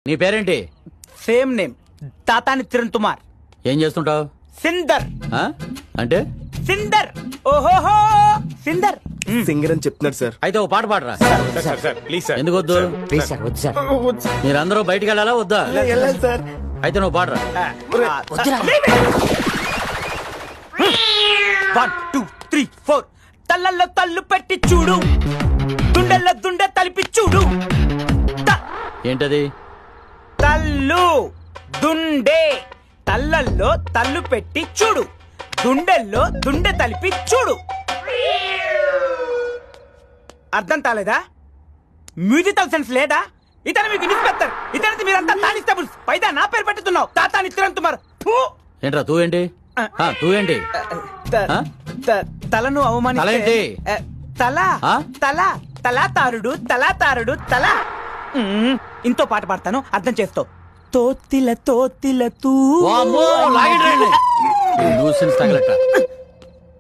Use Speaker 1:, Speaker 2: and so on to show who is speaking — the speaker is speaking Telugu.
Speaker 1: నీ పేరేంటి?
Speaker 2: Same name, Tatani Kiran Kumar.
Speaker 1: ఏం చేస్తుంటావు?
Speaker 2: సిందర్.
Speaker 1: అంటే
Speaker 2: సిందర్. ఓహోహో సిందర్.
Speaker 3: సింగర్ అని చెప్తున్నాడు సార్.
Speaker 1: అయితే ఓ పాట పాడరా.
Speaker 4: Please sir.
Speaker 1: ఎందుకు వద్దు?
Speaker 5: ప్లీజ్ సార్, వద్దు సార్.
Speaker 1: మీరందరూ బయటికి వెళ్ళాలా వద్దా?
Speaker 3: వెళ్ళాలి సార్.
Speaker 1: అయితే నువ్వు పాడరా.
Speaker 2: 1 2 3 4 తల్లల్లో తల్లు పెట్టి చూడు, దుండల్లో దుండె తలిపి చూడు.
Speaker 1: ఏంటది?
Speaker 2: తల్లు దుండే, తల్లల్లో తల్లు పెట్టి చూడు, దుండెల్లో దుండె తలిపి చూడు. అర్థం కాలేదా? మ్యూజికల్ సెన్స్ లేదా? ఇతను మీకు ఇన్స్పెక్టర్, ఇతనికి మీరంతా కానిస్టేబుల్స్. పైదా నా పేరు పెట్టుతున్నావు, తాతాని కిరణ్ కుమార్.
Speaker 1: ఏంట్రా తూ ఏంటి? తూ ఏంటి?
Speaker 2: తలను అవమానిస్తే
Speaker 1: తలేంటి?
Speaker 2: తల తల తలాతారుడు తలాతారుడు తల. ఇంతో పాట పాడతాను, అర్థం చేస్తావు. తోతిల తోతిల తూ.
Speaker 1: వామ్మో, లాగండి రండి. ఈ న్యూసెన్స్ తగలట్ట.